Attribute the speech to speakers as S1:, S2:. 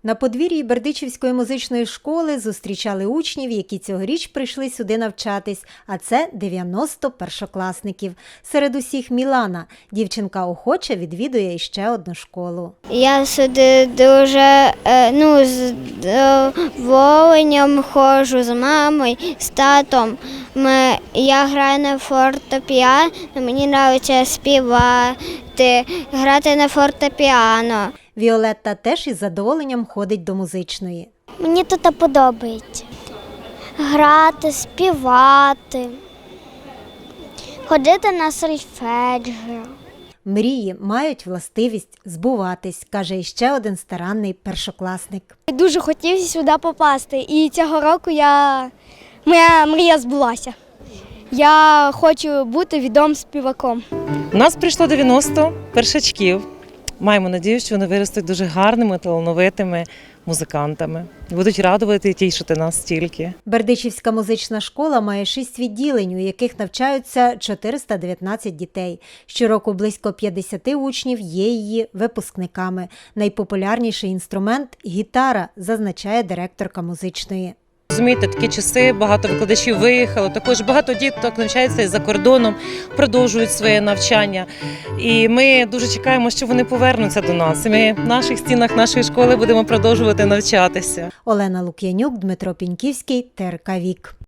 S1: На подвір'ї Бердичівської музичної школи зустрічали учнів, які цьогоріч прийшли сюди навчатись, а це 90 першокласників. Серед усіх Мілана. Дівчинка охоче відвідує іще одну школу.
S2: Я сюди дуже з задоволенням ходжу з мамою, з татом. Я граю на фортепіано, мені подобається співати, грати на фортепіано.
S1: Віолетта теж із задоволенням ходить до музичної.
S2: Мені тут подобається грати, співати, ходити на сольфеджіо.
S1: Мрії мають властивість збуватись, каже іще один старанний першокласник.
S2: Дуже хотів сюди попасти, і цього року моя мрія збулася. Я хочу бути відомим співаком.
S3: У нас прийшло 90 першачків. Маємо надію, що вони виростуть дуже гарними, талановитими музикантами. Будуть радувати і тішити нас стільки.
S1: Бердичівська музична школа має 6 відділень, у яких навчаються 419 дітей. Щороку близько 50 учнів є її випускниками. Найпопулярніший інструмент – гітара, зазначає директорка музичної.
S3: Розумієте, такі часи, багато викладачів виїхало, також багато діток навчаються і за кордоном, продовжують своє навчання. І ми дуже чекаємо, що вони повернуться до нас. І ми в наших стінах нашої школи будемо продовжувати навчатися.
S1: Олена Лук'янюк, Дмитро Піньківський, ТРК Вік.